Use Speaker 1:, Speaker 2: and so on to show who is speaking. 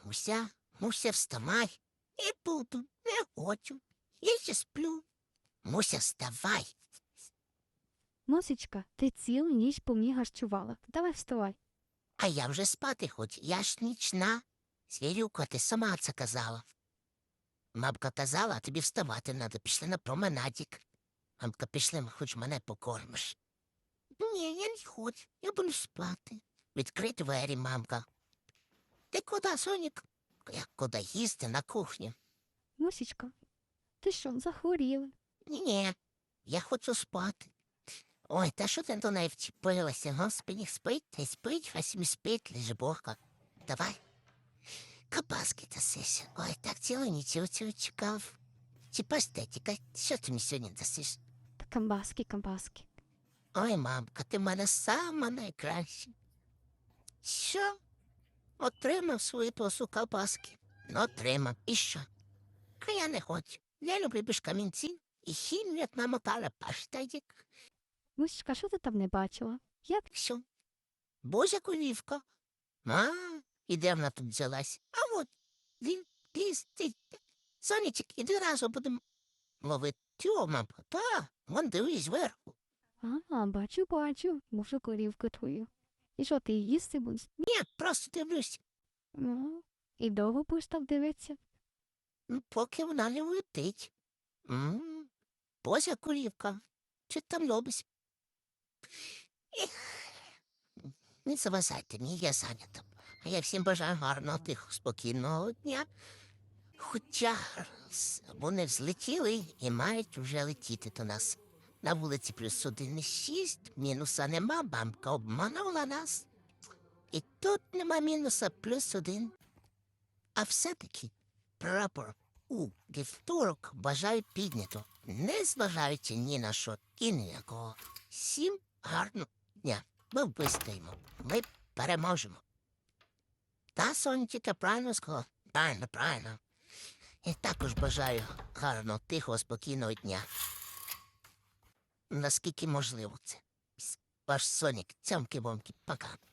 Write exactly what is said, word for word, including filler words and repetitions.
Speaker 1: Муся, Муся, вставай. Не буду, не хочу. Я ще сплю. Муся, вставай.
Speaker 2: Мусічка, ти цілу ніч по мені гарчувала. Давай вставай.
Speaker 1: А я вже спати хочу, я ж нічна. Звірюка, ти сама це казала. Мамка казала, а тобі вставати треба, пішли на променадік. Мамка, пішли, хоч мене покормиш. Ні, я не хочу, я буду спати. Відкрий двері, мамка. Ти куди, Сонік? Я куди їсти на кухню?
Speaker 2: Мусічка, ти що, захворіла?
Speaker 1: Ні, я хочу спати. Ой, та що ти до неї вчепилася? Господи, спить, та й спить, а сім спить, лише Бога. Давай. Кабаски дасиш. Ой, так цілу ніч цього чекав. Чи пастетіка, що ти мені сьогодні дасиш?
Speaker 2: Та камбаски, камбаски.
Speaker 1: Ой, мамка, ти в мене сама найкраща. Що? Отримав свою посу колбаски. Ну, отримав. І що? А я не хочу. Я люблю без камінців і хімію, як намотала паштетик.
Speaker 2: Мусічка, що ти там не бачила? Я
Speaker 1: Що? Божа корівка. А, і де вона тут взялась? А от, він, ліс, ти. Сонечек, іди разом будемо ловити. Тьо, мамка, та, вон дивись зверху.
Speaker 2: А, бачу, бачу. Можу корівку твою. І що, ти її їсти будеш?
Speaker 1: Ні, просто дивлюсь.
Speaker 2: Ну, і довго будеш там дивитися?
Speaker 1: Ну, поки вона не улетить. М, Божа корівка. Чи там робиш? Ех, не заважайте мені, я зайнята. А я всім бажаю гарного, тихого, спокійного дня. Хоча с- вони взлетіли і мають вже летіти до нас. На вулиці плюс один і шість, мінуса нема, бамка обманула нас. І тут нема мінуса плюс один. А все-таки прапор у вівторок бажаю піднято, не зважаючи ні на що і ні на кого. Всім гарного дня. Ми вистоїмо, ми переможемо. Та Сонечка правильно сказала? Правильно, правильно. І також бажаю гарного, тихого, спокійного дня. Наскільки можливо це. Ваш Сонік, цямки-бомки, пока.